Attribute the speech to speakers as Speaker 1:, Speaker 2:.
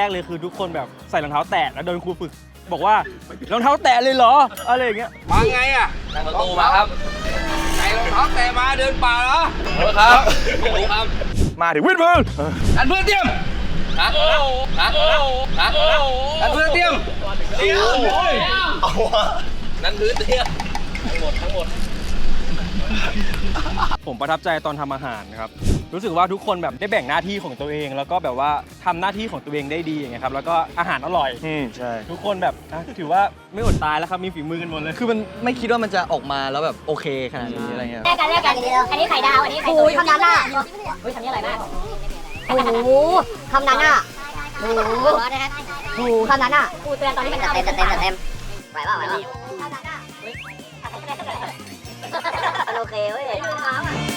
Speaker 1: กเลยคือทุกคนแบบใส่รองเท้าแตะแล้วโดนครูฝึกบอกว่ารองเท้าแตะเลยเหรออะไรอย่างเงี้ย
Speaker 2: มาไงอ่ะนั่งประตูมาครับใส่รองเท้าแตะมาเดินป่าเหรอครับครับ
Speaker 1: มาถึงวิ่งเพื่อน
Speaker 2: อันเพื่อนเตรียมอันเพื่อนเตรียมนั่นพื้นเตรียมทั้งหมด
Speaker 1: ผมประทับใจตอนทำอาหารนะครับรู้สึกว่าทุกคนแบบได้แบ่งหน้าที่ของตัวเองแล้วก็แบบว่าทำหน้าที่ของตัวเองได้ดีอย่างเงี้ยครับแล้วก็อาหารอร่อย
Speaker 3: ใช่
Speaker 1: ทุกคนแบบถือว่าไม่อดตายแล้วครับมีฝีมือกันหมดเลย
Speaker 3: คือมันไม่คิดว่ามันจะออกมาแล้วแบบโอเคขนาดนี้อะไรเงี้ย
Speaker 4: แลกกันอันนี้ไข่ดาวอันนี้ไข่ตุ๋นทำนั้นอ่ะอุ้ยทำนี่อร่อยมากโอ้โหทำนั้นอ่ะโอ้โหทำนั้นอ่ะกูเตือนตอนที่มันเต็มไหวเปล่าทำนั้นอ่ะมันโอเคเว้ย